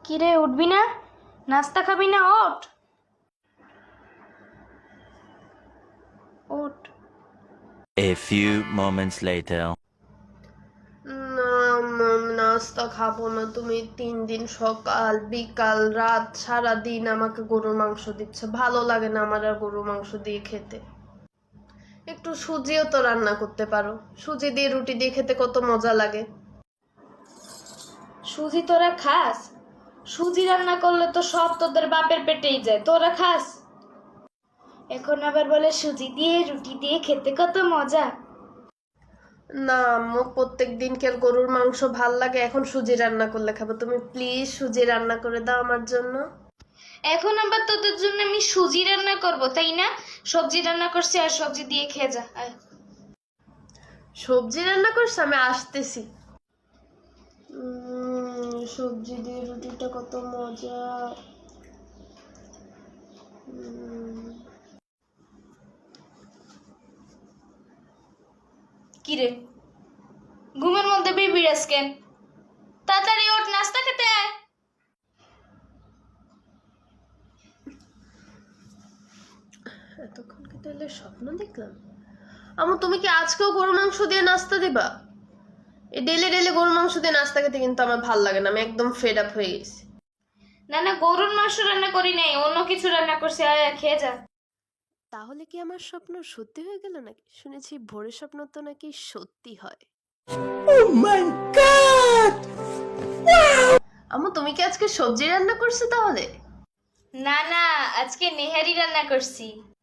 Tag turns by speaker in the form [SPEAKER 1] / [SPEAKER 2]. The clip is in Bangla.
[SPEAKER 1] কিরে উঠবি না? নাস্তা খাবি না? ওঠ ওঠ।
[SPEAKER 2] A few moments later.
[SPEAKER 3] না নাস্তা খাবো না। তুমি 3 দিন সকাল বিকাল রাত সারাদিন আমাকে গরুর মাংস দিচ্ছ, ভালো লাগে না আমার আর গরুর মাংস দিয়ে খেতে। একটু সুজিও তো রান্না করতে পারো, সুজি দিয়ে রুটি দিয়ে খেতে কত মজা লাগে।
[SPEAKER 1] সুজি তোরা খাস? সুজি রান্না করলে তো সব তোদের বাপের পেটেই যায়, তোরা খাস? এখন আবার বলে সুজি দিয়ে রুটি দিয়ে খেতে কত মজা।
[SPEAKER 3] না আম্মু, প্রত্যেক দিন কি আর গরুর মাংস ভাল লাগে? এখন সুজি রান্না করলে খাবো। তুমি প্লিজ সুজি রান্না করে দাও আমার জন্য।
[SPEAKER 1] এখন আবার তোদের জন্য আমি সুজি রান্না করব, তাই না? সবজি রান্না করছি, আর সবজি দিয়ে খেয়ে যা। আয়।
[SPEAKER 3] সবজি রান্না করছো? আমি আসতেছি। সবজি দিয়ে রুটিটা কত মজা।
[SPEAKER 1] কিরে ঘুমের মধ্যে বিড়াস কেন? তাড়াতাড়ি ওঠ, নাস্তা খেতে আয়।
[SPEAKER 3] এতক্ষণ কি তাহলে স্বপ্ন দেখলাম? আমু, তুমি কি আজকেও গরু মাংস দিয়ে নাস্তা দিবা? এই ডেলি ডেলি গরু মাংস দিয়ে নাস্তা খেতে কিন্তু আমার ভাল লাগে না, আমি একদম ফেড আপ হয়ে গেছি।
[SPEAKER 1] না না, গরুর মাংস রান্না করি নাই, অন্য কিছু রান্না করছি। আয় খেয়ে যা।
[SPEAKER 3] তাহলে কি আমার স্বপ্ন সত্যি হয়ে গেল নাকি? শুনেছি ভোরের স্বপ্ন তো নাকি সত্যি হয়। আমু, তুমি কি আজকে সবজি রান্না করছো তাহলে?
[SPEAKER 1] না না, আজকে নেহারি রান্না করছি।